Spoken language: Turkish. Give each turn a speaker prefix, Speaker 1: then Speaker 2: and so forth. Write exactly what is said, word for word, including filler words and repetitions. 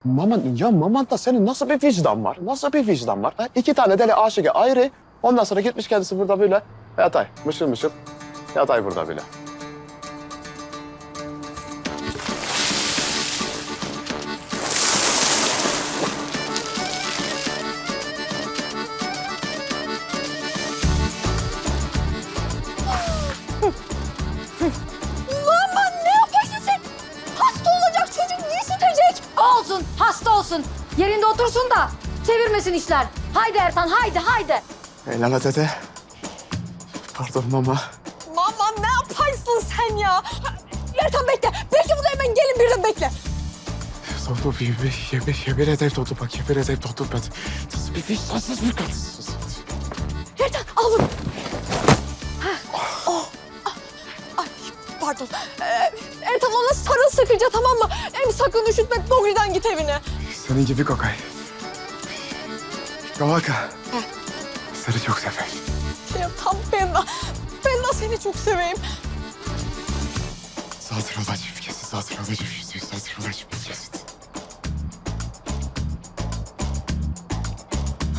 Speaker 1: Maman, ya Maman'da senin nasıl bir vicdan var? Nasıl bir vicdan var? Ha? İki tane deli aşığı ayrı. Ondan sonra gitmiş kendisi burada böyle yatay, mışıl mışıl yatay burada böyle.
Speaker 2: Aman ne yaparsın sen? Hasta olacak çocuk niye sütecek?
Speaker 3: Olsun, hasta olsun. Yerinde otursun da çevirmesin işler. Haydi Ertan, haydi, haydi.
Speaker 1: Eyleme dede. Pardon mama.
Speaker 2: Aman ne yaparsın sen ya? Ertan bekle. Bekle burada hemen gelin birden bekle.
Speaker 1: Dodu bir, bir yemin, yemin ederim Dodu bak yemin ederim Dodu ben. Nasıl bir vicdansız bir kadınsın.
Speaker 2: Ertan al bunu. Oh. Ay pardon. Ee, Ertan ona sarıl sıkıca tamam mı? Hem sakın üşütme doğrudan git evine.
Speaker 1: Senin gibi kokay. Kavaka. Seni çok severim.
Speaker 2: Ya tam ben de, ben de seni çok seveyim.
Speaker 1: Zaten olacağım kesin zaten olacağım yüzde yüz zaten olacağım.